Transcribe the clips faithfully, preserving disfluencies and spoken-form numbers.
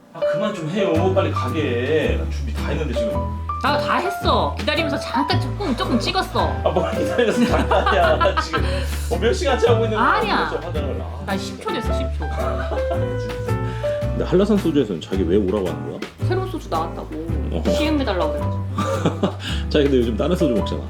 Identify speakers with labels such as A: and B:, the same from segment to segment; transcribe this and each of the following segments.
A: 아 그만 좀 해요. 빨리 가게. 나 준비 다 했는데 지금.
B: 나 다 했어. 기다리면서 잠깐 조금 조금 찍었어.
A: 아뭘 기다려서 잠깐이야. 지금 어, 몇 시간째 하고 있는 거야.
B: 아니야.
A: 화장을. 아,
B: 나 십 초 됐어, 십 초.
A: 근데 한라산 소주에서는 자기 왜 오라고 하는 거야?
B: 새로운 소주 나왔다고.
A: 어.
B: 시음해달라고 그래가지고.
A: 자기 근데 요즘 다른 소주 먹잖아.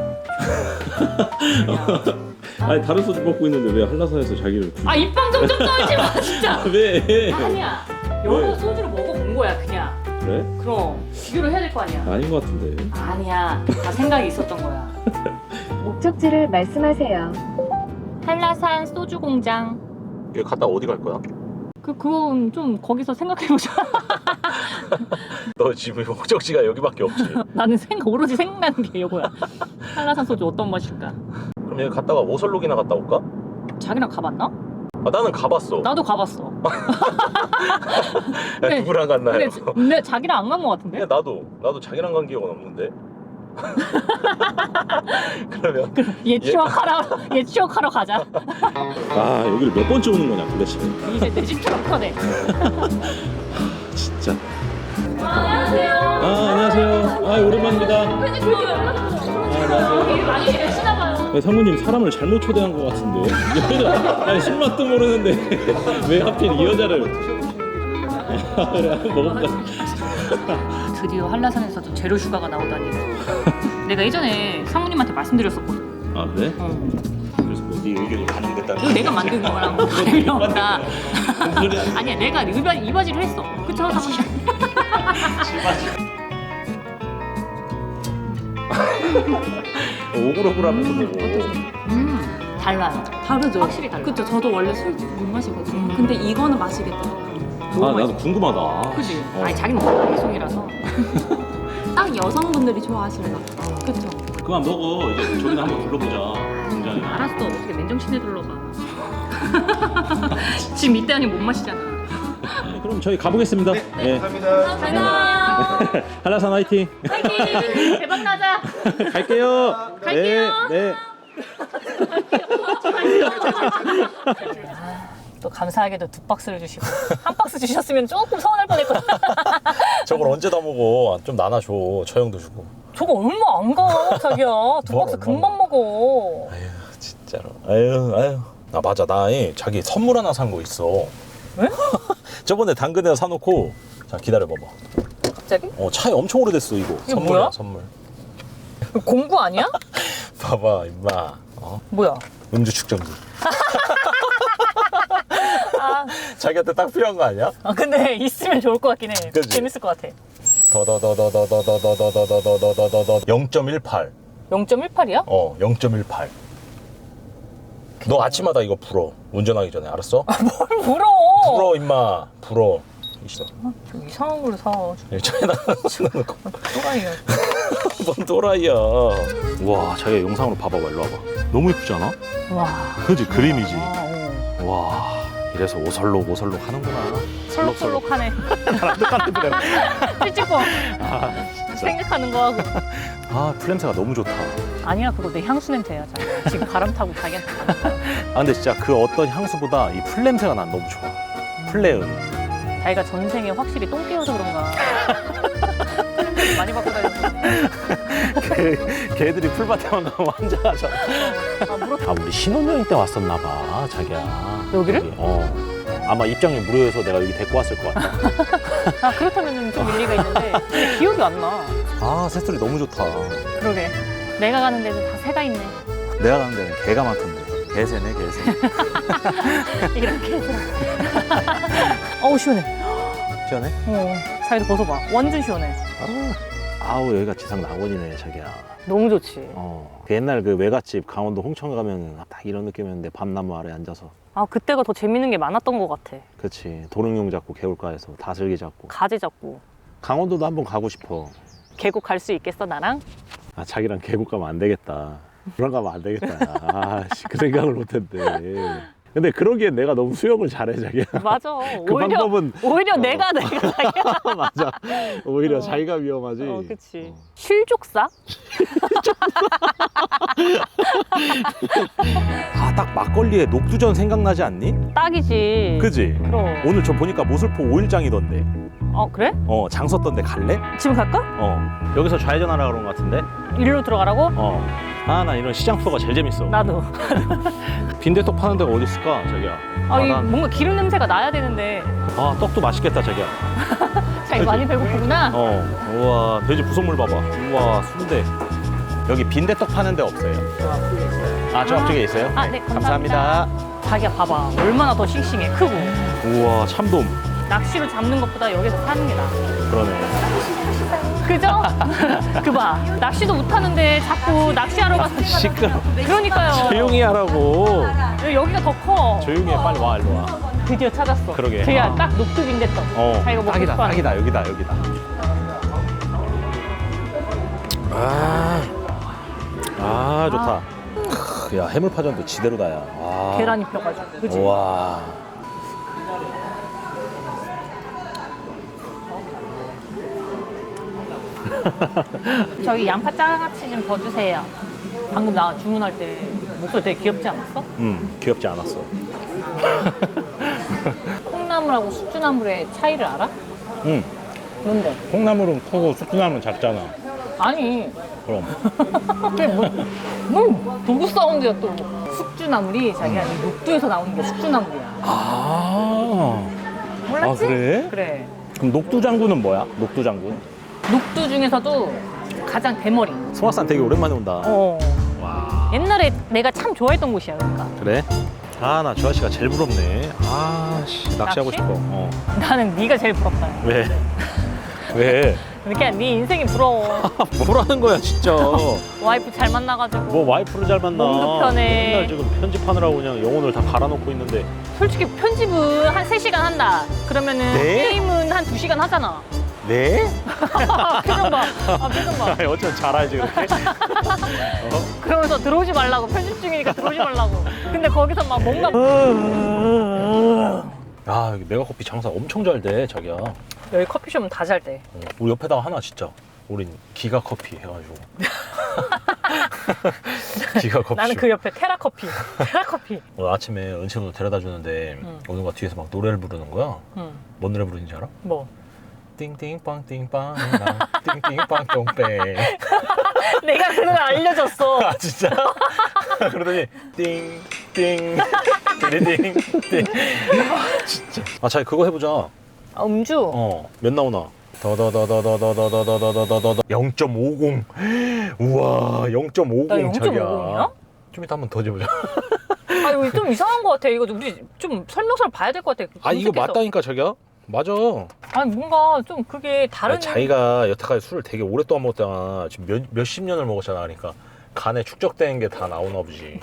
A: 아니 다른 소주 먹고 있는데 왜 한라산에서 자기를 굳이?
B: 아, 입방 좀 좀 떨지 마, 진짜.
A: 왜?
B: 아니야. 여러
A: 왜?
B: 소주를 먹어본 거야, 그냥.
A: 그래?
B: 그럼 비교를 해야 될 거 아니야.
A: 아닌 것 같은데.
B: 아니야. 다 생각이 있었던 거야.
C: 목적지를 말씀하세요.
B: 한라산 소주 공장.
A: 여기 갔다 어디 갈 거야?
B: 그 그건 좀 거기서 생각해보자.
A: 너 지금 목적지가 여기밖에 없지.
B: 나는 생각 오로지 생각나는 게 이거야. 한라산 소주 어떤 맛일까?
A: 그럼 여기 갔다가 오설록이나 갔다 올까?
B: 자기랑 가봤나?
A: 아 나는 가봤어.
B: 나도 가봤어.
A: 야,
B: 근데-
A: 누구랑 갔나요?
B: 근데, 근데 자기랑 안 간 거 같은데?
A: 그냥 나도 나도 자기랑 간 기억은 없는데. 그러면
B: 얘 추억하러 얘 추억하러 가자.
A: 아 여기를 몇 번째 오는 거냐 도대체.
B: 이제 내 집처럼 커네.
A: 진짜.
B: 안녕하세요.
A: 아 안녕하세요. 아 오랜만입니다.
B: 근데 그렇게 연락처 여기 많이 계시나 봐요.
A: 네, 사모님 사람을 잘못 초대한 것 같은데. 여자, 아니 술맛도 모르는데 왜 하필 이 여자를? 아, 그래 한번 먹어보자.
B: 드디어 한라산에서도 제로 슈가가 나오다니. 내가 예전에 상무님한테 말씀드렸었거든.
A: 아 그래?
B: 어.
A: 그래서 뭐네 의견이 반영됐다는
B: 이거 내가 만든 거랑 다름이 없다.
A: 무슨 소리야?
B: 아니야, 내가 이바, 이바지를 했어. 그쵸, 상무님?
A: 오글오글하면서 먹어.
B: 음, 달라요.
D: 다르죠?
B: 확실히 달라.
D: 그쵸, 저도 원래 술 못 마시거든요. 근데 이거는 마시겠더라고요.
A: 아 나도 궁금하다.
B: 그지?
A: 어.
B: 아니, 자기는 먹는 송이라서.
D: 딱 여성분들이 좋아하시나 봐. 그쵸?
A: 그만 먹어. 이제 저기나 한번 둘러보자. 공장에.
B: 알았어. 어떻게 맨정신에 둘러봐. 지금 이때 아니면 못 마시잖아.
A: 네, 그럼 저희 가보겠습니다. 네.
B: 감사합니다.
A: 한라산 화이팅.
B: 파이팅! 대박 나자.
A: 갈게요.
B: 갈게요.
A: 네. 네.
B: 또 감사하게도 두 박스를 주시고 한 박스 주셨으면 조금 서운할 뻔했거든.
E: 저걸 언제 다 먹어? 좀 나눠줘. 저 형도 주고.
B: 저거 얼마 안 가, 자기야. 두
E: 뭐,
B: 박스
E: 뭐.
B: 금방 먹어.
E: 아유 진짜로. 아유 아유. 나 맞아. 나 이, 자기 선물 하나 산 거 있어.
B: 왜?
E: 저번에 당근에서 사놓고. 자 기다려봐봐.
B: 갑자기?
E: 어 차에 엄청 오래됐어 이거.
B: 이게
E: 선물이야
B: 뭐야?
E: 선물.
B: 공구 아니야?
E: 봐봐 임마. 어?
B: 뭐야?
E: 음주 측정기.
B: 아,
E: 자기한테 딱 필요한 거 아니야?
B: 아, 근데 있으면 좋을 것 같긴 해.
E: 그치?
B: 재밌을 것 같아.
E: 더더더더더더더더더더더더더더 영 점 일팔.
B: 영 점 일팔이야?
E: 어 영 점 일팔. 너 아침마다 이거 불어. 운전하기 전에 알았어?
B: 뭘 물어?
E: 불어 임마. 불어. 있어.
B: 좀 이상한 걸로 사.
E: 차에다 쓰는 거.
B: 또라이야.
E: 뭔 또라이야. 와, 자기가 영상으로 봐봐봐. 일로 와봐. 너무 예쁘지 않아?
B: 와.
E: 그지? 그림이지.
B: 아, 어.
E: 와, 이래서 오설록 오설록 하는구나.
B: 설록설록하네.
E: 나랑 똑같은데.
B: 찌찌뽕.
E: 아,
B: 생각하는 거 하고.
E: 아, 풀냄새가 너무 좋다.
B: 아니야, 그거 내 향수 냄새야. 자기. 지금 바람 타고 자기한테 가는 거야.
E: 아, 근데 진짜 그 어떤 향수보다 이 풀냄새가 난 너무 좋아. 풀레은.
B: 자기가 전생에 확실히 똥 깨워서 그런가. 풀냄새 많이 받고 다녔어.
E: 걔, 걔들이 풀밭에만 가면 환장하잖아.
B: 아, 물어.
E: 아, 우리 신혼여행 때 왔었나 봐, 자기야.
B: 여기를?
E: 여기, 어. 아마 입장료 무료여서 내가 여기 데리고 왔을 것 같아.
B: 아, 그렇다면 좀 일리가 있는데. 근데 기억이 안 나.
E: 아, 새소리 너무 좋다.
B: 그러게. 내가 가는 데는 다 새가 있네.
E: 내가 가는 데는 개가 많던데. 개새네, 개새.
B: 이렇게 해서. 어우, 시원해.
E: 시원해?
B: 어, 사이드 벗어봐. 완전 시원해.
E: 아, 아우, 여기가 지상 낙원이네, 자기야.
B: 너무 좋지.
E: 어. 그 옛날 그 외갓집 강원도 홍천 가면 딱 이런 느낌이었는데 밤나무 아래 앉아서.
B: 아, 그때가 더 재밌는 게 많았던 것 같아.
E: 그치. 도롱뇽 잡고 개울가에서 다슬기 잡고.
B: 가지 잡고.
E: 강원도도 한번 가고 싶어.
B: 계곡 갈 수 있겠어, 나랑?
E: 아, 자기랑 계곡 가면 안 되겠다. 그런 거 가면 안 되겠다. 아, 씨, 그 생각을 못 했는데. 근데 그러기엔 내가 너무 수영을 잘해 자기야.
B: 맞아.
E: 그
B: 오히려
E: 방법은
B: 오히려
E: 어.
B: 내가 내가 자기야.
E: 맞아. 오히려
B: 어.
E: 자기가 위험하지.
B: 어, 그치. 실족사?
E: 아, 딱 막걸리에 녹두전 생각나지 않니?
B: 딱이지.
E: 그지?
B: 그럼.
E: 오늘 저 보니까 모슬포 오일장이던데.
B: 어 그래?
E: 어, 장 썼던데 갈래?
B: 지금 갈까?
E: 어. 여기서 좌회전하라 그런 것 같은데?
B: 일로 들어가라고?
E: 어. 아, 나 이런 시장 투어가 제일 재밌어.
B: 나도.
E: 빈대떡 파는 데가 어디 있을까, 자기야?
B: 아, 이
E: 난-
B: 뭔가 기름 냄새가 나야 되는데.
E: 아, 떡도 맛있겠다, 자기야.
B: 자기 많이 배고프구나.
E: 어. 우와, 돼지 부속물 봐봐. 우와, 순대. 여기 빈대떡 파는 데 없어요. 아, 저 앞쪽에 있어요?
B: 아, 네, 감사합니다. 자기야 봐봐. 얼마나 더 싱싱해. 크고.
E: 우와, 참돔.
B: 낚시로 잡는 것보다 여기서 사는 게 나아.
E: 그러네.
B: 그죠? 그 봐. 낚시도 못하는데 자꾸 낚시하러 가서
E: 시끄러.
B: 그러니까요.
E: 조용히 하라고.
B: 여기가 더 커.
E: 조용히 해, 빨리 와, 일로 와.
B: 드디어 찾았어.
E: 그러게.
B: 자기야
E: 아.
B: 딱 녹두빈대떡.
E: 어,
B: 자기가 먹고
E: 딱이다,
B: 싶어 하는
E: 딱이다, 여기다, 여기다. 아, 아, 좋다. 크, 야, 해물파전도 지대로다, 야. 아.
B: 계란 입혀가지고. 그치?
E: 우와.
B: 저기 양파 장아찌 좀 더 주세요. 방금 나 주문할 때 목소리 되게 귀엽지 않았어?
E: 음, 귀엽지 않았어.
B: 콩나물하고 숙주나물의 차이를 알아?
E: 응.
B: 뭔데?
E: 콩나물은 크고 숙주나물은 작잖아.
B: 아니
E: 그럼.
B: 그게 뭐, 뭐 도구 사운드야 또. 숙주나물이 자기가 이 녹두에서 나오는 게 숙주나물이야.
E: 아.
B: 몰랐지?
E: 아, 그래?
B: 그래.
E: 그럼 녹두장군은 뭐야? 녹두장군?
B: 녹두 중에서도 가장 대머리.
E: 송악산 되게 오랜만에 온다.
B: 어.
E: 와.
B: 옛날에 내가 참 좋아했던 곳이야 그러니까.
E: 그래? 아, 나 저 아저씨가 제일 부럽네. 아, 씨, 낚시하고
B: 낚시?
E: 싶어. 어.
B: 나는 네가 제일 부럽다.
E: 왜? 왜?
B: 그냥 네 인생이 부러워.
E: 뭐라는 거야, 진짜.
B: 와이프 잘 만나가지고.
E: 뭐 와이프를 잘 만나.
B: 몸도 편해.
E: 맨날 지금 편집하느라고 그냥 영혼을 다 갈아놓고 있는데.
B: 솔직히 편집은 한 세 시간 한다. 그러면은
E: 네?
B: 게임은 한 두 시간 하잖아.
E: 네?
B: 표정 봐. 아, 표정 봐.
E: 아니, 어쩌면 잘하지, 그렇게?
B: 그러면서 들어오지 말라고. 편집 중이니까 들어오지 말라고. 근데 거기서 막 뭔가
E: 아, 여기 메가커피 장사 엄청 잘 돼, 자기야.
B: 여기 커피숍은 다 잘 돼.
E: 어, 우리 옆에다가 하나 진짜. 우린 기가 커피 해가지고. 기가 커피.
B: 나는 그 옆에 테라 커피. 테라 커피.
E: 오늘 아침에 은채도 데려다 주는데
B: 응.
E: 오는가 뒤에서 막 노래를 부르는 거야.
B: 응.
E: 뭔 노래 부르는지 알아?
B: 뭐?
E: 띵띵빵 띵빵 나 띵띵빵 똥배.
B: 내가 그 노래 알려줬어.
E: 아, 진짜? 그러더니 띵띵 띵띵 띵. 진짜. 아, 자기 그거 해보자.
B: 아, 음주.
E: 어, 몇 나오나? 더더더더더더더더더더더더 영 점 오공. 우와, 영 점 오공
B: 나 영 점
E: 자기야.
B: 오공이야?
E: 좀 이따 한번 더 재보자.
B: 아, 이거 좀 이상한 것 같아. 이거 우리 좀 설명서를 봐야 될 것 같아.
E: 아, 이거
B: 검색해서.
E: 맞다니까 자기야? 맞아.
B: 아니, 뭔가 좀 그게 다른.
E: 아니, 자기가 여태까지 술을 되게 오랫동안 먹었잖아. 지금 몇, 몇십 년을 먹었잖아. 그러니까 간에 축적된 게 다 나오나 보지.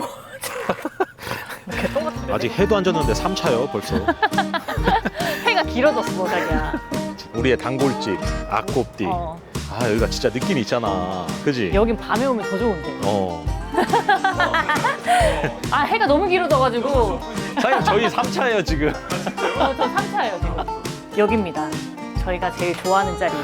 B: 개똥 같은데.
E: 아직 해도 안 졌는데 삼 차요 벌써.
B: 해가 길어졌어, 자기야.
E: 우리의 단골집 악곱띠.
B: 어.
E: 아, 여기가 진짜 느낌이 있잖아. 그지?
B: 여긴 밤에 오면 더 좋은데.
E: 어.
B: 아, 해가 너무 길어져가지고.
E: 사장님, 저희 삼 차예요 지금.
B: 저, 저 삼 차예요, 지금. 여기입니다. 저희가 제일 좋아하는 자리.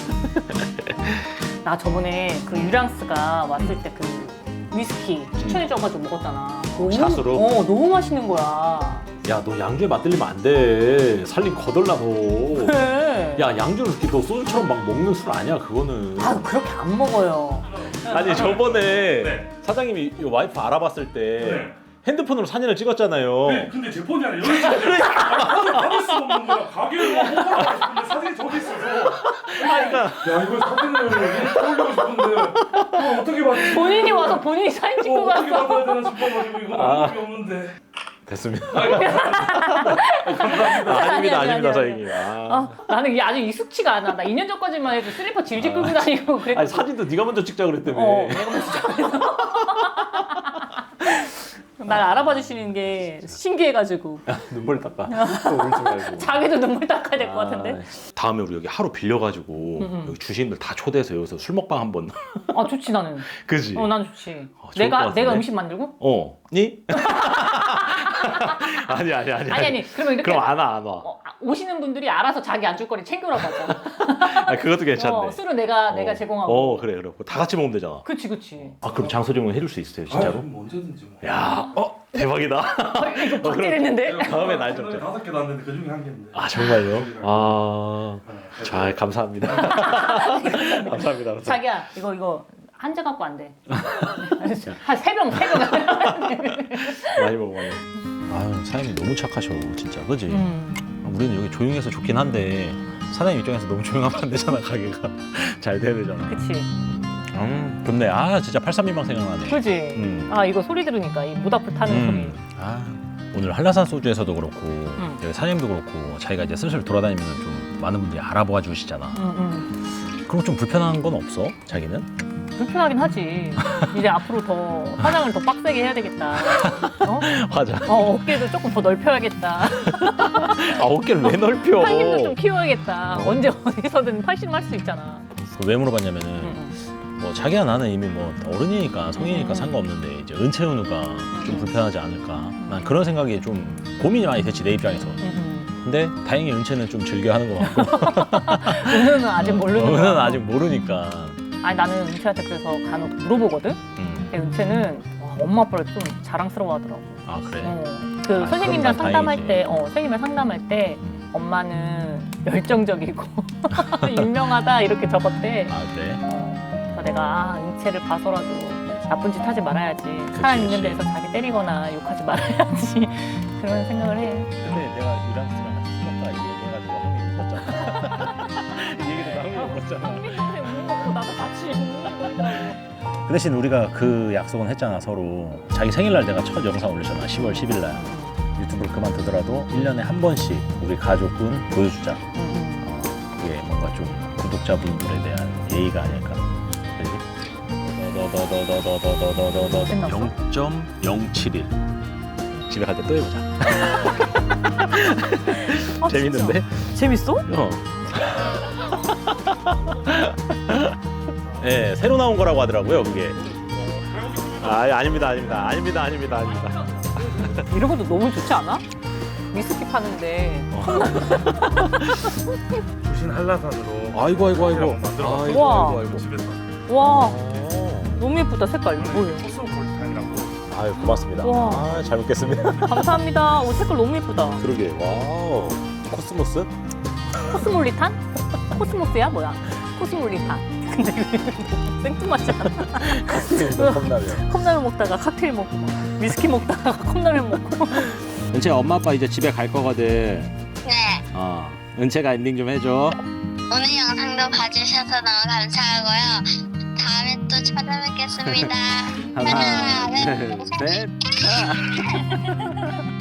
B: 나 저번에 그 유랑스가 왔을 때 그 위스키 추천해줘가지고 먹었잖아. 너무,
E: 샷으로?
B: 어, 너무 맛있는 거야.
E: 야, 너 양주에 맛들리면 안 돼. 살림 거덜나 너.
B: 그래.
E: 야, 양주를 이렇게 너 소주처럼 막 먹는 술 아니야 그거는.
B: 아, 그렇게 안 먹어요.
E: 아니, 저번에 사장님이 이 와이프 알아봤을 때 핸드폰으로 사진을 찍었잖아요.
F: 네, 근데 제 폰이 아니라 여기 있어요. 폰을 받을 수가 없는 거야. 가게를 막 홍보하고 싶은데 사진이 저기 있어서.
E: 그러니까
F: 야, 이거 사진을 올리고 싶은데 이거 어떻게 받지?
B: 본인이 와서 본인이 사진
F: 어,
B: 찍고
F: 어떻게
B: 갔어.
F: 받아야 되나 싶어가지고 이거
E: 아.
F: 방법이 없는데.
E: 됐습니다.
F: 감사합니다.
E: 아닙니다,
B: 아니, 아니,
E: 아닙니다,
B: 아니,
E: 사장님. 아.
B: 아, 나는 이게 아직 익숙치가 않아. 나 이 년 전까지만 해도 슬리퍼 질질 끌고 다니고 그랬거든.
E: 아니, 사진도 네가 먼저 찍자 그랬다며.
B: 어, 내가 먼저 찍어서. 날 알아봐 주시는 게 신기해가지고.
E: 눈물 닦아. 울지 말고.
B: 자기도 눈물 닦아야 될 것 같은데.
E: 아, 다음에 우리 여기 하루 빌려가지고
B: 응.
E: 여기 주시님들 다 초대해서 여기서 술 먹방 한번.
B: 아, 좋지 나는.
E: 그지?
B: 어, 난 좋지.
E: 어, 좋을 것
B: 내가
E: 같은데?
B: 내가 음식 만들고?
E: 어, 니? 아니 아니 아니.
B: 아니 아니 그러면 이렇게
E: 그럼 안 와 안 와.
B: 어, 오시는 분들이 알아서 자기 안줄 거리 챙겨라고 하잖아.
E: 아, 그것도 괜찮네.
B: 어, 술은 내가 내가
E: 어.
B: 제공하고.
E: 어 그래 그래. 다 같이 먹으면 되잖아.
B: 그치 그치.
E: 아 그럼 장소 제공 해줄 수 있어요 진짜로?
F: 뭐 언제든지 뭐.
E: 야, 어 대박이다.
B: 어, 이거
E: 어, 그럼
B: 박제했는데.
E: 다음에 날 잡자.
F: 다섯 개 나왔는데 그 중에 한 개인데.
E: 아 정말요? 아, 자 감사합니다. 감사합니다. 감사합니다.
B: 자기야 이거 이거 한 잔 갖고 안 돼. 한 세 병 세 병.
E: 많이 먹어 많이 먹어. 아유 사장님 너무 착하셔 진짜 그지?
B: 음.
E: 우리는 여기 조용해서 좋긴 한데 사장님 입장에서 너무 조용하면 안 되잖아 가게가 잘 돼야 되잖아.
B: 그치.
E: 음 좋네. 아 진짜 팔삼이방 생각나네.
B: 그지.
E: 음.
B: 아 이거 소리 들으니까 이 모닥불 타는
E: 음. 아 오늘 한라산 소주에서도 그렇고
B: 음.
E: 여기 사장님도 그렇고 자기가 이제 슬슬 돌아다니면 좀 많은 분들이 알아봐 주시잖아.
B: 소리. 음, 음.
E: 그럼 좀 불편한 건 없어? 자기는?
B: 불편하긴 하지. 이제 앞으로 더 화장을 더 빡세게 해야 되겠다. 어?
E: 화장.
B: 어 어깨도 조금 더 넓혀야겠다.
E: 아 어깨를 왜 넓혀?
B: 팔힘도 좀 키워야겠다. 언제 어디서든 팔씨름 할 수 있잖아.
E: 왜 물어봤냐면은
B: 음.
E: 뭐 자기야 나는 이미 뭐 어른이니까 성인이니까
B: 음.
E: 상관없는데 이제 은채은우가 좀 불편하지 않을까. 난 그런 생각이 좀 고민이 많이 됐지 내 입장에서.
B: 음, 음.
E: 근데 다행히 은채는 좀 즐겨 하는 것 같고.
B: 은우는 아직 모르는 거야.
E: 은은 아직 모르니까.
B: 아니 나는 은채한테 그래서 간혹 물어보거든.
E: 음.
B: 근데 은채는 와, 엄마 아빠를 좀 자랑스러워하더라고.
E: 아 그래.
B: 어, 그
E: 아,
B: 선생님이랑
E: 그럼 난
B: 상담할
E: 다행이지.
B: 때, 어, 선생님이랑 상담할 때
E: 음.
B: 엄마는 열정적이고 유명하다 이렇게 적었대.
E: 아 그래.
B: 어, 그래서 내가 아, 은채를 봐서라도 나쁜 짓 하지 말아야지. 사람 있는
E: 그치.
B: 데서 자기 때리거나 욕하지 말아야지. 그런 생각을 해.
E: 근데 내가 유랑씨랑 같이 술 먹다가 이 얘기해가지고 한명이 울었잖아. 이 얘기도 한명이 울었잖아.
B: 선배 동생 우는 거 보고 나도 같이 우는 거더라고.
E: 그 대신 우리가 그 약속은 했잖아 서로. 자기 생일날 내가 첫 영상 올렸잖아 시월 십일날. 유튜브를 그만두더라도 일 년에 한 번씩 우리 가족은 보여주자. 어, 그게 뭔가 좀 구독자분들에 대한 예의가 아닐까. 그지? 더더더더더더더더더더
B: 끝났어?
E: 영 점 영칠일. 집에 갈 때 또 해보자.
B: 아,
E: 재밌는데?
B: 진짜? 재밌어?
E: 어. 네, 새로 나온 거라고 하더라고요, 그게. 아, 아닙니다, 아닙니다, 아닙니다, 아닙니다, 아닙니다.
B: 이런 것도 너무 좋지 않아? 위스키 파는데
F: 부신 한라산으로.
E: 아이고, 아이고, 아이고.
F: 만들어.
E: 아이고,
B: 우와.
E: 아이고, 아이고.
F: 집에서.
B: 와
E: 어.
B: 너무 예쁘다 색깔. 뭐예요?
F: 코스모폴리탄이라고.
E: 아유, 고맙습니다.
B: 우와.
E: 아, 잘 먹겠습니다.
B: 감사합니다. 오, 색깔 너무 예쁘다.
E: 그러게, 와우. 코스모스?
B: 코스몰리탄? 코스모스야 뭐야? 코스몰리탄. 근데 생뚱맞잖아.
E: 컵라면.
B: 컵라면 먹다가 칵테일 먹고 막 위스키 먹다가 컵라면 먹고.
E: 은채 엄마 아빠 이제 집에 갈 거거든.
G: 네,
E: 어. 은채가 엔딩 좀 해줘.
G: 오늘 영상도 봐주셔서 너무 감사하고요. 다음에 또 찾아뵙겠습니다.
E: 하나,
G: 하나,
E: 둘,
G: 둘, 셋.
E: 셋.